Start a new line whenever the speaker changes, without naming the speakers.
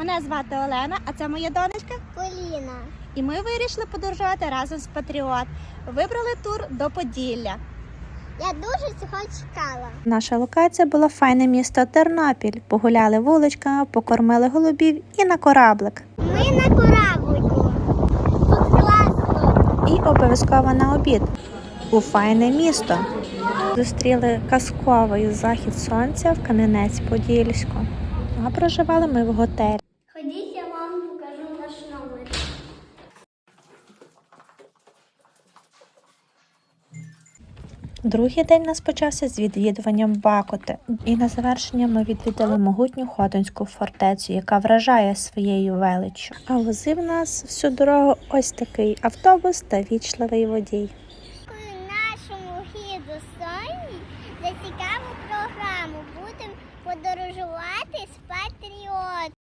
Мене звати Олена, а це моя донечка
Поліна.
І ми вирішили подорожувати разом з Патріот. Вибрали тур до Поділля.
Я дуже цього чекала.
Наша локація була файне місто Тернопіль. Погуляли вуличками, покормили голубів і на кораблик.
Ми на кораблику. Тут класно.
І обов'язково на обід у файне місто. Зустріли казковий захід сонця в Кам'янець-Подільську. А проживали ми в готелі.
Ходіть, я вам покажу наш номер.
Другий день у нас почався з відвідуванням Бакоти. І на завершення ми відвідали могутню Хотинську фортецю, яка вражає своєю величчю. А возив нас всю дорогу ось такий автобус та вічливий водій.
Нашому гіду Соні за цікаву програму будемо подорожувати з Патріот.